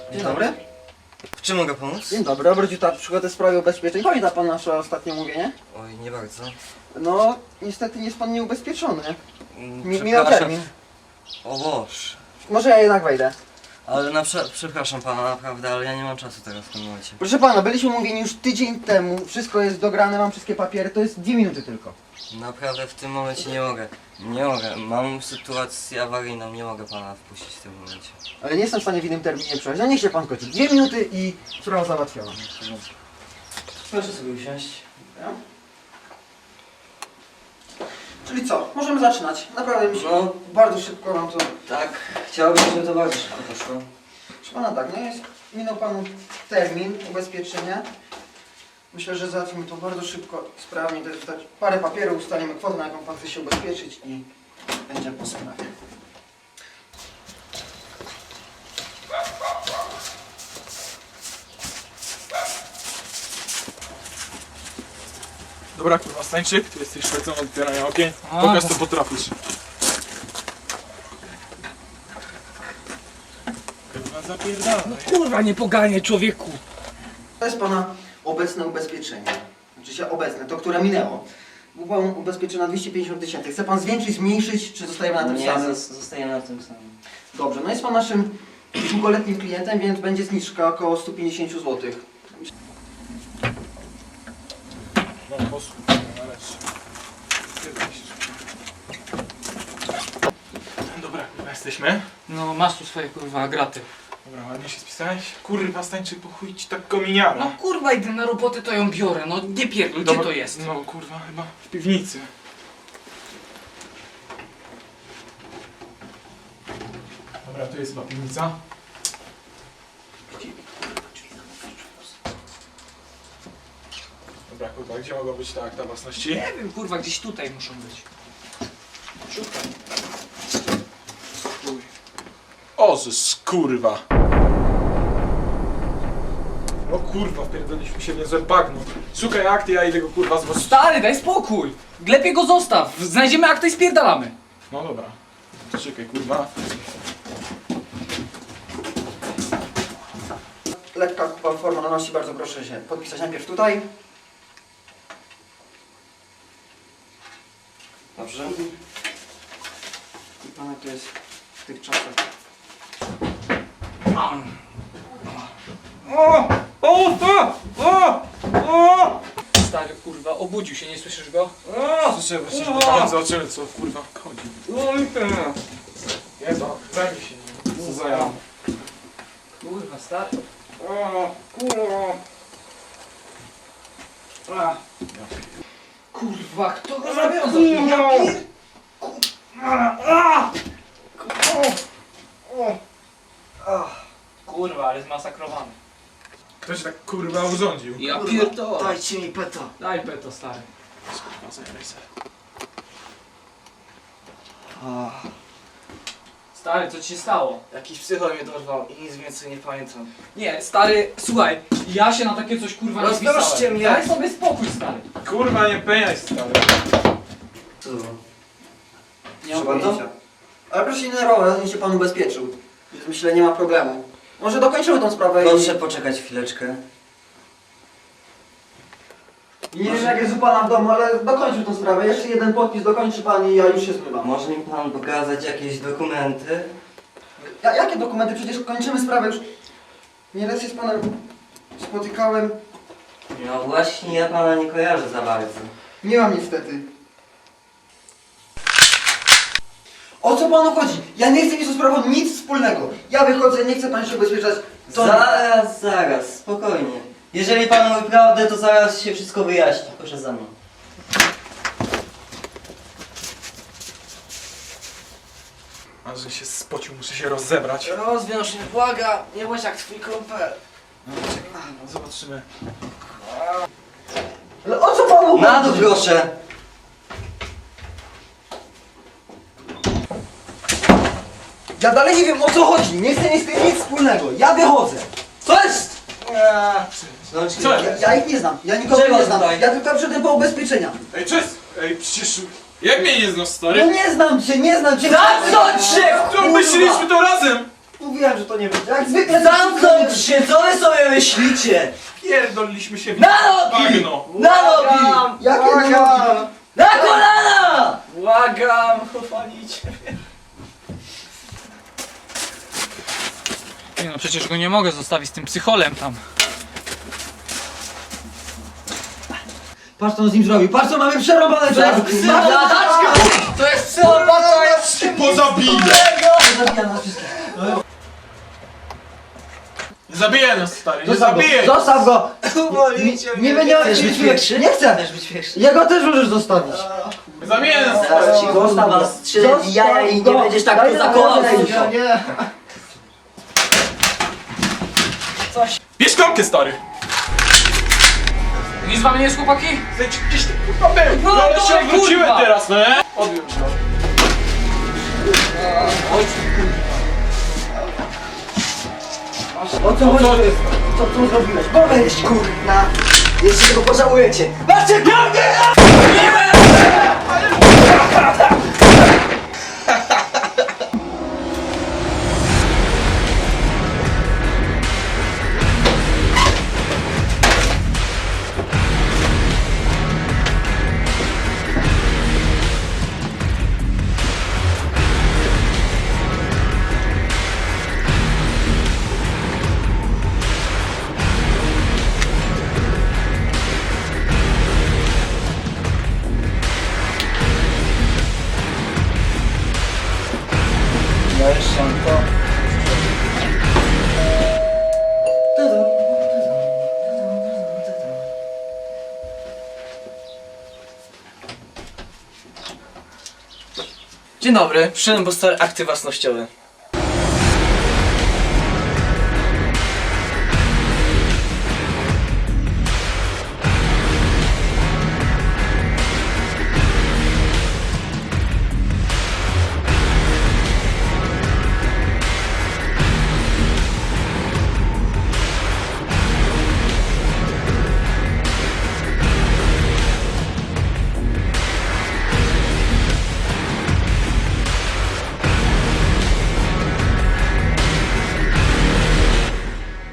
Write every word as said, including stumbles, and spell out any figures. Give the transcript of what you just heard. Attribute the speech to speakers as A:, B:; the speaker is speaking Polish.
A: Dzień dobry.
B: W czym mogę pomóc?
A: Dzień dobry, obrodził ta przygodę w sprawie ubezpieczeń. Pamięta pan nasze ostatnie mówienie?
B: Oj, nie bardzo.
A: No, niestety nie jest pan nieubezpieczony.
B: Mm,
A: Mi, minął
B: przepraszam.
A: termin.
B: O Boż.
A: Może ja jednak wejdę.
B: Ale na prze przepraszam pana, naprawdę, ale ja nie mam czasu teraz w tym momencie.
A: Proszę pana, byliśmy mówieni już tydzień temu. Wszystko jest dograne, mam wszystkie papiery. To jest dwie minuty tylko.
B: Naprawdę w tym momencie nie mogę. Nie mogę. Mam sytuację awaryjną, nie mogę pana wpuścić w tym momencie.
A: Ale nie jestem w stanie w innym terminie przejść. No niech się pan kończy. Dwie minuty i sprawa załatwiona.
B: Proszę sobie usiąść.
A: Ja? Czyli co? Możemy zaczynać. Naprawdę mi się
B: No.
A: bardzo szybko mam to...
B: Tak, chciałbym, żeby to bardzo szybko poszło.
A: Proszę pana tak, no jest, minął panu termin ubezpieczenia. Myślę, że załatwimy to bardzo szybko, sprawnie. To jest wystarczy parę papierów, ustalimy kwotę, na jaką pan chce się ubezpieczyć i będzie po sprawie.
C: Dobra kurwa, Stańczyk, ty jesteś szwecą od otwierania okien. Pokaż co potrafisz. Kurwa, zapierdalaj.
D: Kurwa, nie poganiaj człowieku!
A: To jest pana obecne ubezpieczenie. Znaczy się obecne, to które minęło. Był pan ubezpieczony na dwieście pięćdziesiąt tysięcy. Chce pan zwiększyć, zmniejszyć, czy zostajemy na tym
B: Nie,
A: samym?
B: zos- zostajemy na tym samym.
A: Dobrze, no jest pan naszym długoletnim klientem, więc będzie zniżka około sto pięćdziesiąt złotych.
C: No, posłuchaj, nareszcie. Dobra, kurwa, jesteśmy.
D: No masz tu swoje kurwa graty.
C: Dobra, ładnie się spisałeś. Kurwa, Stańczyk, po chuj ci tak kominiara.
D: No kurwa, idę na robotę, to ją biorę, no nie pierdol, gdzie
C: Dobra,
D: to jest?
C: No kurwa, chyba w piwnicy. Dobra, tu jest chyba piwnica. Dobra, kurwa, gdzie mogą być te akta własności?
D: Nie wiem, kurwa, gdzieś tutaj muszą być. Szukaj.
C: Chuj. O, kurwa. O kurwa, wpierdoliśmy się w niezłe bagno. Szukaj akty, ja idę go kurwa złożyć.
D: Stary, daj spokój! Lepiej go zostaw, znajdziemy akta i spierdalamy.
C: No dobra. Czekaj, kurwa.
A: Lekka formalności, bardzo proszę się podpisać najpierw tutaj.
B: Dobrze?
A: I pana to jest w tych czasach.
C: O! O! O! O! O!
D: Stary, kurwa, obudził się, nie słyszysz go?
C: Słyszę właśnie, że tam zobaczymy co kurwa chodzi. Jezu, zajmij się nim. Co za ja.
D: Kurwa, stary.
C: O! Kurwa. A.
D: Kurwa, kto go zawiązał? Ja pier... Kurwa, ale zmasakrowany.
C: Kto się tak kurwa urządził?
D: Ja pierdolę.
A: Dajcie mi peta.
D: Daj peto, stary.
C: Kurwa, zajmij się.
D: Stary, co ci się stało?
B: Jakiś psychol mnie dorwał i nic więcej nie pamiętam.
D: Nie, stary, słuchaj, ja się na takie coś kurwa nie
B: Rozproszcie
D: pisałem.
B: mnie.
D: Daj sobie spokój, stary.
C: Kurwa, nie peniaj stary.
B: Co to było?
A: Nie mam
B: Trzeba to?
A: pojęcia. Ale proszę się nie nerwować, niech się pan ubezpieczył. Więc myślę, nie ma problemu. Może dokończymy tą sprawę
B: Proszę poczekać chwileczkę.
A: i... Nie wiem jak jest u pana w domu, ale dokończymy tą sprawę. Jeszcze jeden podpis dokończy pan i ja już się zmywam.
B: Może mi pan pokazać jakieś dokumenty?
A: Ja, jakie dokumenty? Przecież kończymy sprawę już. Nieraz się z panem spotykałem.
B: No właśnie, ja pana nie kojarzę za bardzo.
A: Nie mam niestety. O co panu chodzi? Ja nie chcę mieć z tą sprawą nic wspólnego. Ja wychodzę, nie chcę pan się ubezpieczać. To nie.
B: Zaraz, zaraz, spokojnie. Jeżeli pan mówi prawdę, to zaraz się wszystko wyjaśni. Proszę za mną.
C: A że się spocił, muszę się rozebrać.
B: Rozwiąż mnie, błagam, nie bądź jak twój kumpel.
C: No, czekaj, no, zobaczymy.
A: Ale o co panu chodzi?
B: Na dół proszę.
A: Ja dalej nie wiem o co chodzi. Nie chcę mieć z tym nic wspólnego. Ja wychodzę.
B: Co jest?
C: Co
A: Ja,
C: jest?
A: ja ich nie znam. Ja nikogo
B: Czego
A: nie znam.
B: tutaj?
A: Ja tylko przyszedłem po ubezpieczenia.
C: Ej, cześć! Ej, przecież... Jak mnie nie znasz,
A: No
C: stary?
A: nie znam cię, nie znam cię.
B: Za co cię,
C: To myśleliśmy to razem!
A: Mówiłem, że to nie będzie. Jak zwykle...
B: Zamknąć się, co wy sobie myślicie?
C: Pierdoliliśmy się w
B: Na nogi!
C: bagno.
B: Na nogi!
A: Jakie nogi?
B: Na kolana!
D: Błagam, chłopanicie mnie. Nie no, przecież go nie mogę zostawić z tym psycholem tam.
A: Patrz co on z nim zrobił, patrz co mamy przerobane teraz!
B: To jest psychopata, jest
C: Pozabiję!
A: Zabija nas wszystkich.
C: Zabiję nas, stary, nie
A: Zostaw go,
C: zabiję!
A: zostaw go!
B: Uwolnijcie
A: Nie
B: mnie.
A: będzie...
B: Chcesz być pierwszy?
A: Nie chcę!
B: Chcesz być pierwszy?
A: Jego też możesz zostawić.
C: Zabiję nas, stary!
B: Zaraz ci gosta was strzelę w jaja i nie będziesz tak tu zakołał.
A: Nie.
C: Bierz klamkę, stary!
D: Nic wam nie jest, chłopaki?
C: Zejdź, gdzieś ty kurwa był!
D: No,
C: No ale
D: dole,
C: się odwróciłem
D: kurwa!
C: teraz, no nie? Odbiłem się.
A: O co chodzi? Co, co zrobiłeś? Powiedz kurna!
B: Jeszcze tego pożałujecie.
A: Macie klamkę! Dajesz sianko.
E: Dzień dobry, przyszedłem po stare akty własnościowe.